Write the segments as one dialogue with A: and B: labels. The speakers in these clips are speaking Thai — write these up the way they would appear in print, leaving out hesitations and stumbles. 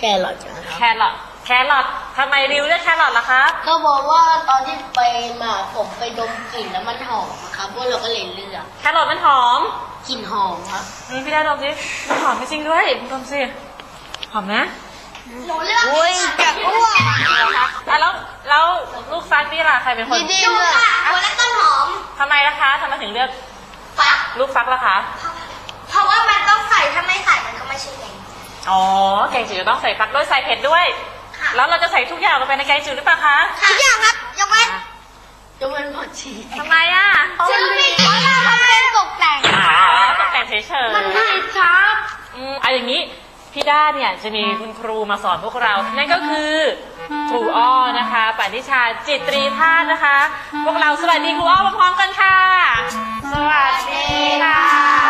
A: รอทนะครับ
B: แครอททำไมริวเลือกแครอทล่ะครับ
A: ก็บอกว่าตอนที่ไปมาผมไปดมกลิ่นแล้วมันหอมครับพวกเราก็เลยเลือก
B: แครอทมันหอม
A: กลิ่นหอมครับ
B: พี่ได้ดมสิมันหอมจริงด้วยดมสิหอมนะ
A: หนูเลือกอุ้ยจะอ้วก
B: แล้วลูกฟักนี่ล่ะใครเป็นคน
A: ดูค่ะหัวและต้นหอม
B: ทำไมล่ะคะทำไมถึงเลือก
A: ฟัก
B: ลูกฟักล่ะคะ
A: เพราะว่ามันต้องใส่ถ้าไม่ใส่มันก็ไม่ใช่แกง
B: อ๋อแกงจืดจะต้องใส่ฟักด้วยใส่เผ็ดด้วยแล้วเราจะใส่ทุกอย่างลงไปในแกงจืดหรือเปล่าคะ
A: ทุกอย่างครับยกเว้นผักชี
B: ทำไมอ่ะ
A: เพราะเราทำเป็นตกแต่ง
B: ตกแต่งเฉยๆ
A: มันไม่ครับ
B: อย่างนี้พี่ด้าเนี่ยจะมีคุณครูมาสอนพวกเรานั่นก็คือครูอ้อนะคะปณิชาจิตรีธาตุนะคะพวกเราสวัสดีครูอ้อพร้อมๆกันค่ะสวัสดีค่ะ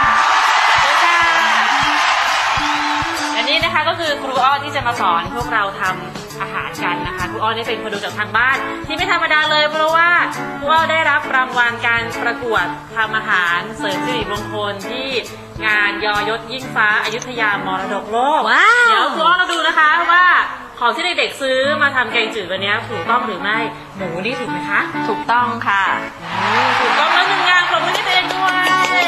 B: อันนี้นะคะก็คือครูอ้อที่จะมาสอนพวกเราทำอาหารกันนะคะครูอ้อนี่เป็นคนดูจากทางบ้านที่ไม่ธรรมดาเลยเพราะว่าครูอ้อได้รับรางวัลการประกวดทำอาหารเสริมสิริมงคลที่งานยอยศยิ่งฟ้าอยุธยามรดกโลกเดี๋ยวครูอ้อเราดูนะคะว่าของที่เด็กๆซื้อมาทำแกงจืดวันนี้ถูกต้องหรือไม่หมูนี่ถูกไหมคะ
C: ถูกต้องค่ะ
B: ถูกต้องแล้ว1งานปรบมือให้ตัวเองด้วย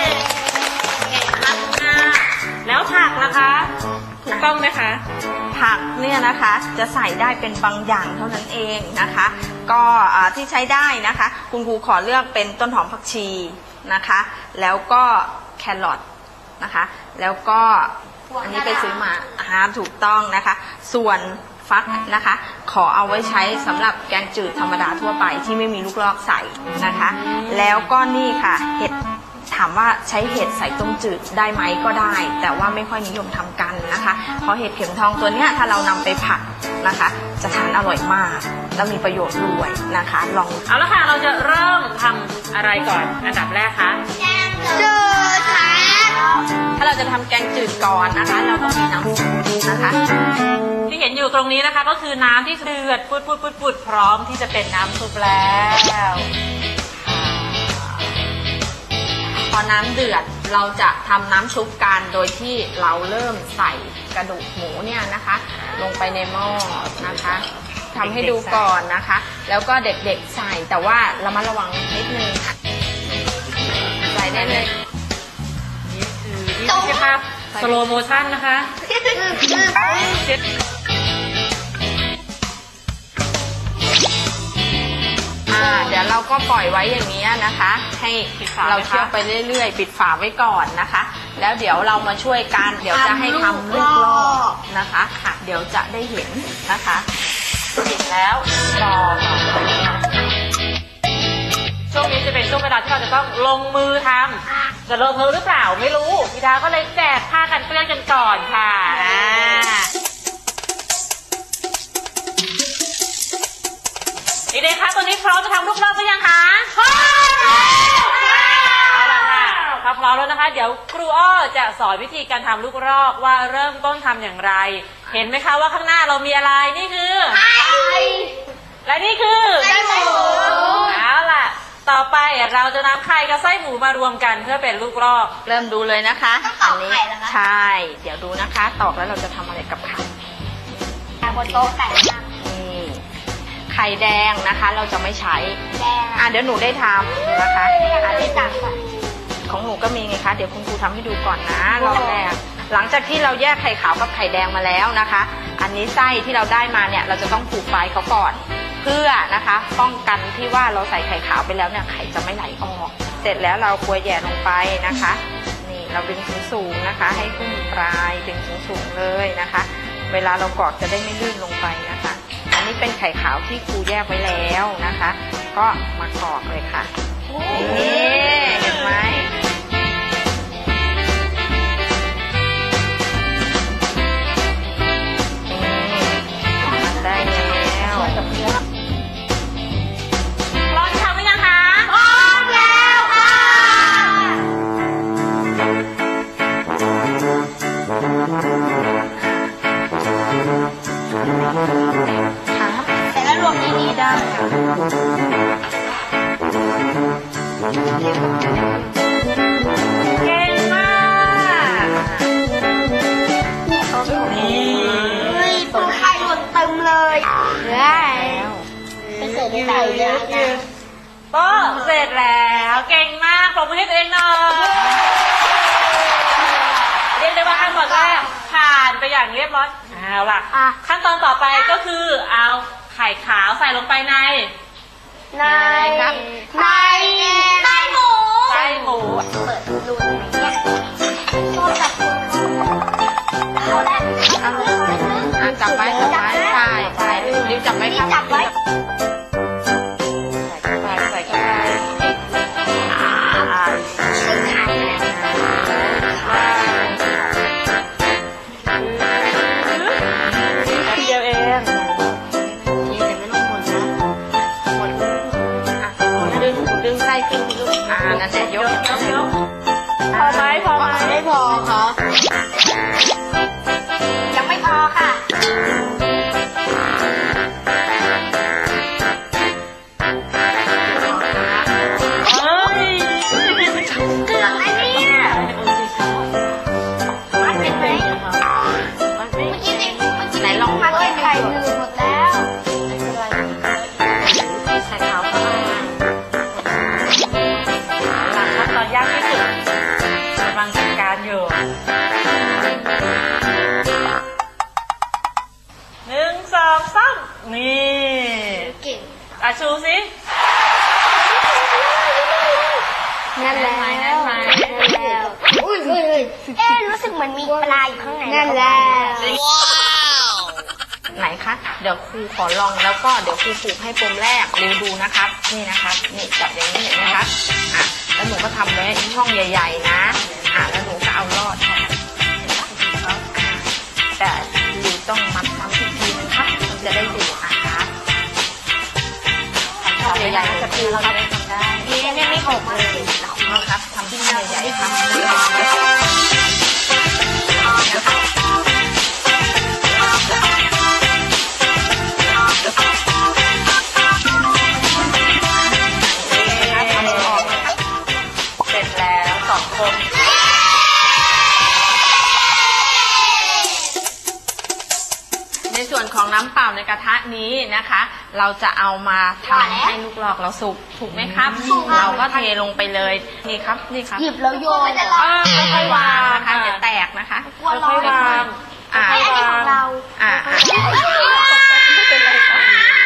B: แล้วผักล่ะคะถูกต้องไหมคะ
C: ผักเนี่ยนะคะจะใส่ได้เป็นบางอย่างเท่านั้นเองนะคะก็ที่ใช้ได้นะคะคุณครูขอเลือกเป็นต้นหอมผักชีนะคะแล้วก็แครอทนะคะแล้วก็อันนี้ไปซื้อมาถูกต้องนะคะส่วนฟักนะคะขอเอาไว้ใช้สำหรับแกงจืดธรรมดาทั่วไปที่ไม่มีลูกลอกใส่นะคะแล้วก็นี่ค่ะเห็ดถามว่าใช้เห็ดใส่ต้มจืดได้ไหมก็ได้แต่ว่าไม่ค่อยนิยมทำกันนะคะเพราะเห็ดเข็มทองตัวเนี้ยถ้าเรานำไปผัดนะคะจะทานอร่อยมากและมีประโยชน์ด้วยนะคะลอง
B: เอาละค่ะเราจะเริ่มทำอะไรก่อนอันดับแรกคะ
A: แกงจืดค่ะ
C: ถ้าเราจะทำแกงจืดก่อนนะคะเราต้องมีน้ำซุปนะคะ
B: ที่เห็นอยู่ตรงนี้นะคะก็คือน้ำที่เดือดปุดพร้อมที่จะเป็นน้ำซุปแล้ว
C: พอน้ำเดือดเราจะทำน้ำชุบกันโดยที่เราเริ่มใส่กระดูกหมูเนี่ยนะคะลงไปในหม้อนะคะทำให้ดูก่อนนะคะแล้วก็เด็กๆใส่แต่ว่าระมัดระวังนิดนึงใส่ได้เลย
B: นี่ใช่ภาพสโลโมชั่นนะคะ
C: เดี๋ยวเราก็ปล่อยไว้อย่างนี้นะคะให้เราเคี่ยวไปเรื่อยๆปิดฝาไว้ก่อนนะคะแล้วเดี๋ยวเรามาช่วยกันเดี๋ยวจะให้ทำลูกลอกนะคะเดี๋ยวจะได้เห็นนะคะ
B: ปิดแล้วรอช่วงนี้จะเป็นช่วงเวลาที่เราจะต้องลงมือทำจะลงมือหรือเปล่าไม่รู้พี่ดาก็เลยแจกผ้ากันเปื้อนกันก่อนค่ะเด็กๆคะตอนนี้พร้อมจะทำลูกลอกหรือยังคะพร้อมเอาละค่ะถ้าพร้อมแล้วนะคะเดี๋ยวครูอ้อจะสอนวิธีการทำลูกลอกว่าเริ่มต้นทำอย่างไรเห็นไหมคะว่าข้างหน้าเรามีอะไรนี่คือไข่และนี่คือไส้หมูเอาล่ะต่อไปเราจะนำไข่กับไส้หมูมารวมกันเพื่อเป็นลูกลอก
C: เริ่มดูเลยนะคะอันนี้ใช่เดี๋ยวดูนะคะตอกแล้วเราจะทำอะไรกับไข่
A: บนโต๊ะแต่
C: ไข่แดงนะคะเราจะไม่ใช้เดี๋ยวหนูได้ทำนะคะ
A: ที่ตัก
C: ของหนูก็มีไงคะเดี๋ยวคุณครูทำให้ดูก่อนนะรอบแรกหลังจากที่เราแยกไข่ขาวกับไข่แดงมาแล้วนะคะอันนี้ไส้ที่เราได้มาเนี่ยเราจะต้องผูกไฟเขาก่อนเพื่อนะคะป้องกันที่ว่าเราใส่ไข่ขาวไปแล้วเนี่ยไข่จะไม่ไหลออกเสร็จแล้วเรากลัวแย่ลงไปนะคะนี่เราดึงสูงๆนะคะให้ขึ้นปลายดึงสูงๆเลยนะคะเวลาเรากรอกจะได้ไม่ลื่นลงไปนะคะอันนี้เป็นไข่ขาวที่ครูแยกไว้แล้วนะคะก็มากรอกเลยค่ะนี่เห็นไหมมันได้แล้ว
B: พร้อมทำไหมนะคะ
A: พร้อมแล้วค่ะแต่ละรวมนี้ได้
B: เก่งมากนี่
A: ไข่หล่นเต็มเลยได้ไปเสิร์ฟใส่เลยนะ
B: โต๊ะเสร็จแล้วเก่งมากปรบมือให้ตัวเองหน่อยเรียกได้ว่าขั้นตอนแรกผ่านไปอย่างเรียบร้อยเอาล่ะขั้นตอนต่อไปก็คือเอาไข่ขาวใส่ลงไปในหมู
A: เปิดรูเนี่ยโทรศัพท์เอาได้
C: จับไว้ใช่ริ้วจับไว้ครับ
A: จับไว้
B: ใส่เข้าไปเดียวเอง
C: ดึงไส้ขึ้นลูกนั่นแหละยก
B: พอไหม
A: ไม่พอครับยังไม่พอค่ะเกือบแล้วเนี่ยมันเป็นไหมเมื่อกี้ไหนลองพัดไข่หนึ่งหมดแล้ว
B: ใส่ขาวเข้ามาหลังขั้นตอนยากที่สุดกำลังจัดการอยู่1 2 3นี่
A: เก่ง
B: ชูสิ
A: นั่นแล้วอุ้ยรู้สึกเหมือนมีปลาอยู่ข้างในนั่นแล้วว้าว
C: ไหนคะเดี๋ยวครูขอลองแล้วก็เดี๋ยวครูผูกให้ปมแรกริ้วดูนะครับนี่นะครับนี่จับอย่างนี้เห็นไหมครับแล้วหนูก็ทำไว้ช่องใหญ่ๆนะแล้วหนูก็เอาลอดครับแต่ริ้วต้องมัดซ้ำอีกทีนึงครับมันจะได้อยู่ครับช่องใหญ่ๆจะคือเราได้ทำได้
A: เนี่ยไม่หกเลย
C: นะครับทำที่ใหญ่ๆครับเสร็จแล้ว2 คนในส่วนของน้ำเปล่าในกระทะนี้นะคะ เราจะเอามาทำให้ลูกหลอกเราสุกถูกไหมครับเราก็เทลงไปเลยนี่ครับ
A: หยิบแล้วโยน
C: ค่อยๆวางนะคะอย่าแตกนะคะ
B: ค่อยๆวาง
A: อันนี้ของเรา
C: ไม่เป็นไรค่ะ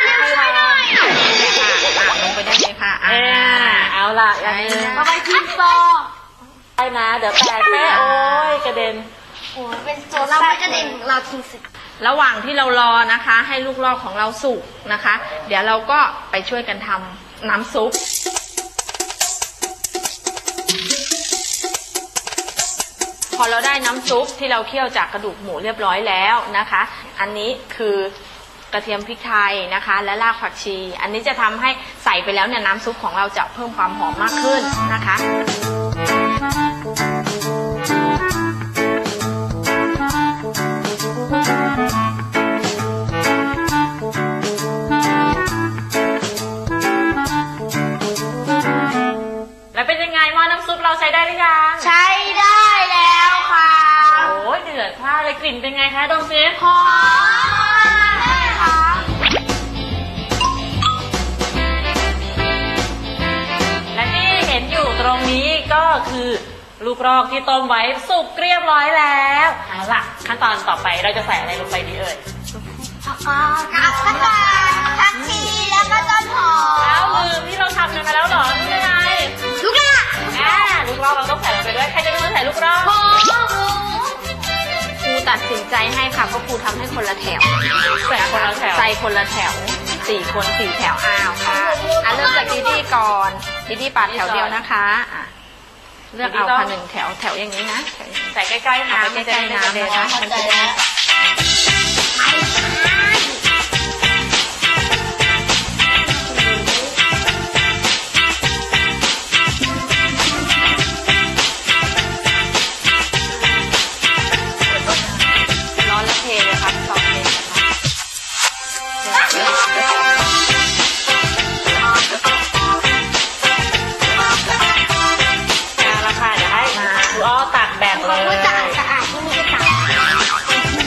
C: ลงไปได้เลยค่ะ
B: เอาล่ะอย่างนี้
A: เอาไปทิ้งฟอ
B: ได้นะเดี๋ยวแตกแม่โอ้ยกระเด็น
A: เป็นโจเราไม่กระเด็นเราทิ้งสิ
C: ระหว่างที่เรารอนะคะให้ลูกลอกของเราสุกนะคะเดี๋ยวเราก็ไปช่วยกันทำน้ำซุปพอเราได้น้ำซุปที่เราเคี่ยวจากกระดูกหมูเรียบร้อยแล้วนะคะอันนี้คือกระเทียมพริกไทยนะคะและรากผักชีอันนี้จะทำให้ใส่ไปแล้วเนี่ยน้ำซุปของเราจะเพิ่มความหอมมากขึ้นนะคะ
B: แล้วเป็นยังไงหม้อน้ำซุปเราใช้ได้หรือยัง
A: ใช้ได้แล้วค่ะ
B: โอ้ยเดือดพล่านเลยกลิ่นเป็นไงคะดมซิ
A: หอม
B: และที่เห็นอยู่ตรงนี้ก็คือลูกรอกที่ต้มไว้สุกเรียบร้อยแล้วเอาล่ะขั้นตอนต่อไปเราจะใส่อะไรลงไปดีเอ่ย
A: ผักชีแล้วก็ต้นหอม
B: แล้วลืมที่เราทำกันมาแล้วเหรอนี่ไง
A: ลูกลอก
B: ลูกลอกเราต้องใส่ลงไปด้วยใครจะเป็นคนใส่ลูกลอก
C: ครูตัดสินใจให้ค่ะเพราะครูทำให้คนละแถว
B: ใส่คนละแถว
C: ใส่คนละแถว4 คน4 แถวค่ะเริ่มจากดิดี้ก่อนดิดี้ปาดแถวเดียวนะคะเลือกเอาค่ะ1 แถวอย่างนี้นะ
B: ใส่ใกล้ๆน้ำ
C: ใกล้ๆน้ำนะคะร้อนแล้วเทเลยครับซอสเท
B: ราคาเดี๋ยวให้ครูอ้อตักแบ่งเลย
A: สะอาดที่นี่ก็ตัก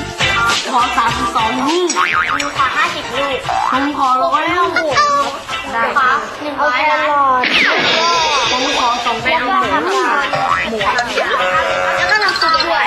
A: ขอ32 ลูกหนูขอ50 ลูกผมขอ100 ลูกได้ค่ะ100 นะผมขอ2แล้วก็ทำหมูแล้วก็น้ำซุปด้วย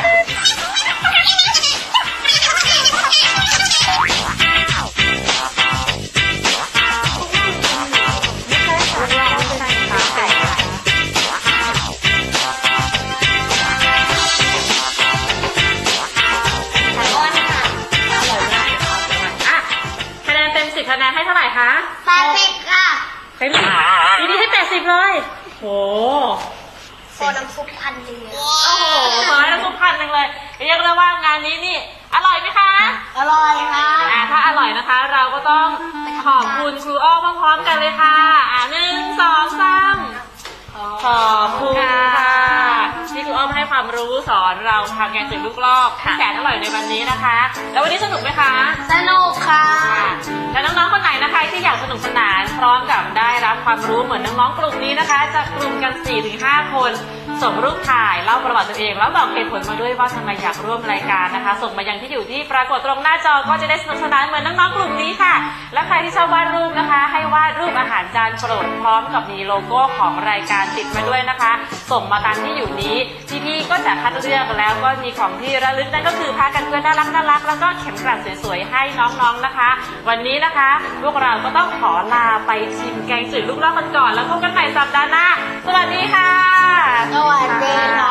B: คะแนนให้เท่าไหร่คะ
A: 80ค่ะ
B: ให้ดีให้80เลยโห
A: ขอน้ำซุปพันหนึ่ง
B: โอ้โหขอน้ำซุป1,000เลยเรียกได้ว่างานนี้นี่อร่อยไหมคะ
A: อร่อยค่ะ
B: ถ้าอร่อยนะคะเราก็ต้องขอบคุณครูอ้อพร้อมๆกันเลยค่ะ1 2 3ขอบคุณค่ะที่ครูอ้อมให้ความรู้สอนเราทำแกงจืดลูกลอกที่แสนอร่อยในวันนี้นะคะแล้ววันนี้สนุกไหมคะ
A: สนุกค่ะ
B: แล้วน้องๆคนไหนนะคะที่อยากสนุกสนานพร้อมกับได้รับความรู้เหมือนน้องๆกลุ่มนี้นะคะจะกลุ่มกัน 4-5 คนส่งรูปถ่ายเล่าประวัติตัวเองแล้วบอกเหตุผลมาด้วยว่าทำไมอยากร่วมรายการนะคะส่งมายังที่อยู่ที่ปรากฏตรงหน้าจอก็จะได้สนุกสนานเหมือนน้องๆกลุ่มนี้ค่ะและใครที่ชอบวาดรูปนะคะให้วาดรูปอาหารจานโปรดพร้อมกับมีโลโก้ของรายการติดมาด้วยนะคะส่งมาตามที่อยู่นี้พี่ๆก็จะคัดเลือกแล้วก็มีของที่ระลึกนั่นก็คือผ้ากันเปื้อนน่ารักแล้วก็เข็มกลัดสวยๆให้น้องๆนะคะวันนี้นะคะพวกเราก็ต้องขอลาไปชิมแกงจืดลูกลอกกันก่อนแล้วพบกันใหม่สัปดาห์หน้าสวัสดีค่ะ
A: สวัสดีค่ะ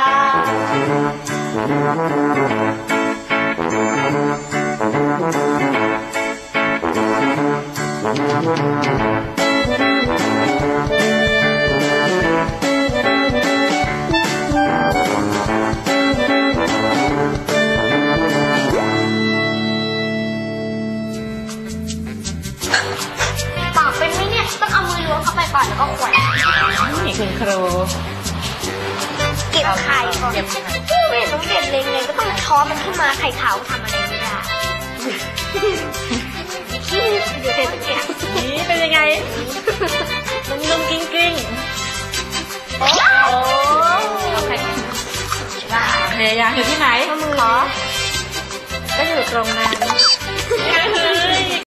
A: ปากเป็นไหมเนี่ยต้องเอามือล้วงเข้าไปก่อนแล้วก็ขวน
B: นี่คุณครู
A: เก็บไข่ก่อนไม่ต้องเก็บเล็งๆก็ต้องช้อนมันขึ้นมาไข่ขาวทำอะไรไม่ได้เดี๋ยวเก็บ
B: นี่เป็นยังไงนุ่มๆกิ้งๆโอ้พยายามอยู่ที่ไหน
A: มือเหรอ
B: ก็อยู่ตรงนั้น